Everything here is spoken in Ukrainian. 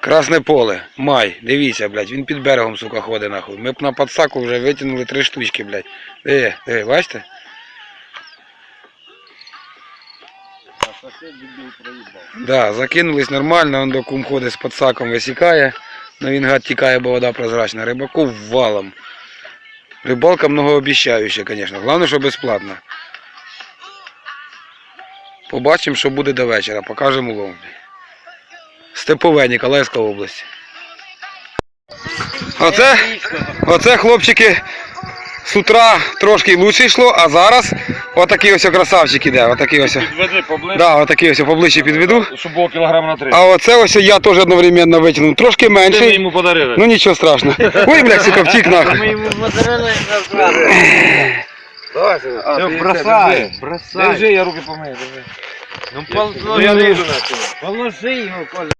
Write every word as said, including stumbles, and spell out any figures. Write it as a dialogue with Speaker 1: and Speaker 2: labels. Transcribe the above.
Speaker 1: Красне поле, май, дивіться, блядь, він під берегом, сука, ходить нахуй. Ми б на подсаку вже витягнули три штучки, блядь. Диви, диви, бачите? Да, закинулись нормально, он до кум ходить з подсаком, висікає. Но він, гад, тікає, бо вода прозрачна. Рибаку валом. Рибалка многообіщаюча, звісно. Головне, що безплатно. Побачимо, що буде до вечора. Покажемо улов. Степове, Ніколаївська область. Оце, оце, хлопчики, з утра трошки лучше йшло, а зараз отакий ось красавчик іде. Отакий ось.
Speaker 2: Підведи поближче.
Speaker 1: Да, отакий ось поближче підведу.
Speaker 2: Щоб було кілограм на три.
Speaker 1: А оце ось я теж одновременно витягнув. Трошки
Speaker 2: Ти ми
Speaker 1: менший.
Speaker 2: йому подарили.
Speaker 1: Ну нічого страшного. Ой, блядь, сука, втік нахуй.
Speaker 3: Ми йому подарили назад.
Speaker 2: Все, бросай, бросай. Держи, я руки помию, держи.
Speaker 3: Ну, положи його, Коля.